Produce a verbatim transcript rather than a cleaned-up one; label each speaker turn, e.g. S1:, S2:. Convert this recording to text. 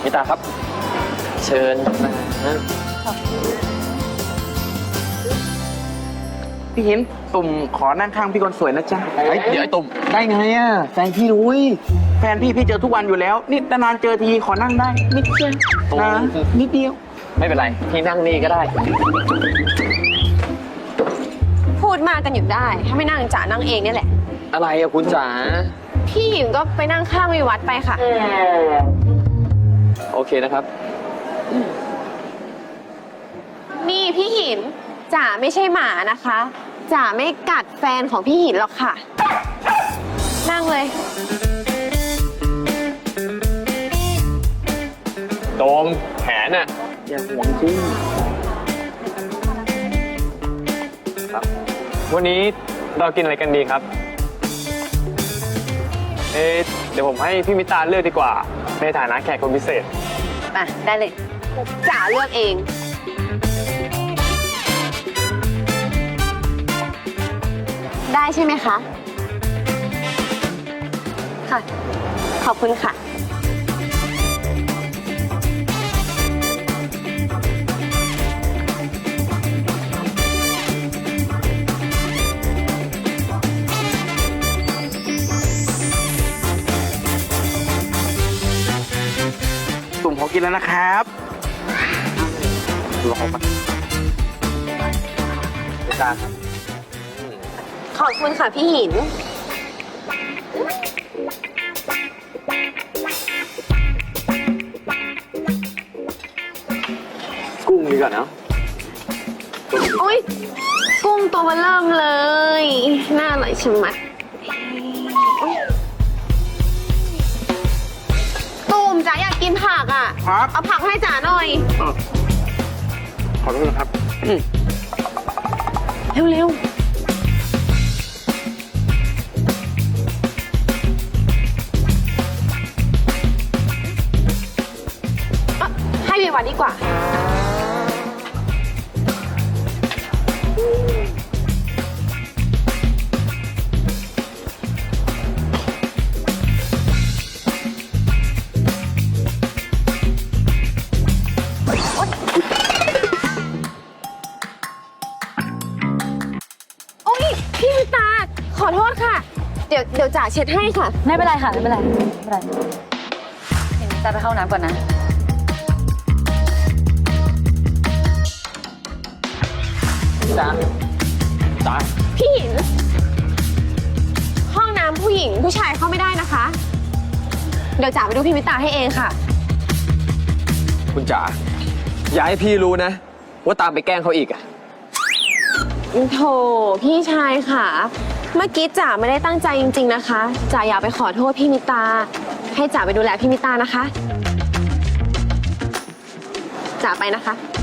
S1: มิตาครับ เชิญนะพี่หินตุ่มขอนั่งข้างพี่คนสวยนะจ๊ะเดี๋ยวไอ้ตุ่มได้ไงอ่ะแฟนพี่รู้แฟนพี่พี่เจอทุกวันอยู่แล้วนี่นานๆเจอทีขอนั่งได้นิดเดียวนะนิดเดียวไม่เป็นไรพี่นั่งนี่ก็ได้
S2: พูดมากันอยู่ได้ถ้าไม่นั่งจ๋านั่งเองเนี่ยแหละ
S1: อะไรอะคุณจ๋า
S2: พี่หญิงก็ไปนั่งข้างวิวัฒน์ไปค่ะ
S1: โอเคนะครับ
S2: นี่พี่หินจ๋าไม่ใช่หมานะคะจ๋าไม่กัดแฟนของพี่หินหรอกค่ะนั่งเลย
S1: โดมแผนน่ะอย่าห่วงจริงครับวันนี้เรากินอะไรกันดีครับเอ๊ะเดี๋ยวผมให้พี่มิตาเลือกดีกว่าในฐานะแขกคนพิเศษ
S2: อ่ะได้เลยจ๋าเลือกเองได้ใช่ไหมคะค่ะขอบคุณค่ะ
S1: ตุ่มขอกินแล้วนะครับรอมามิตาครับ
S2: ขอบคุณค่ะพี่หิน
S1: กุ้งดีกว่าเนาะ
S2: โอ๊ยกุ้งตัวเริ่มเลยน่าอร่อยชะมัดตูมจ๋าอยากกินผักอ่ะ
S1: ครับ
S2: เอาผักให้จ๋าหน่อย
S1: ขอโทษนะครับ
S2: เร็วๆให้วิวัฒน์ดีกว่าโอ๊ยพี่มิตาขอโทษค่ะเดี๋ยวเดี๋ยวจ๋าเช็ดให้ค่ะ
S3: ไม่เป็นไรค่ะไม่เป็นไรไม่เป็นไรเห็นจะไปเข้าน้ำก่อนนะ
S1: จ๋าจ๋า
S2: พี่หินห้องน้ำผู้หญิงผู้ชายเข้าไม่ได้นะคะเดี๋ยวจ๋าไปดูพี่มิตาให้เองค่ะ
S1: คุณจ๋าอย่าให้พี่รู้นะว่าตามไปแกล้งเขาอีกอะ
S2: โถพี่ชายค่ะเมื่อกี้จ๋าไม่ได้ตั้งใจจริงๆนะคะจ๋าอยากไปขอโทษพี่มิตาให้จ๋าไปดูแลพี่มิตานะคะจ๋าไปนะคะ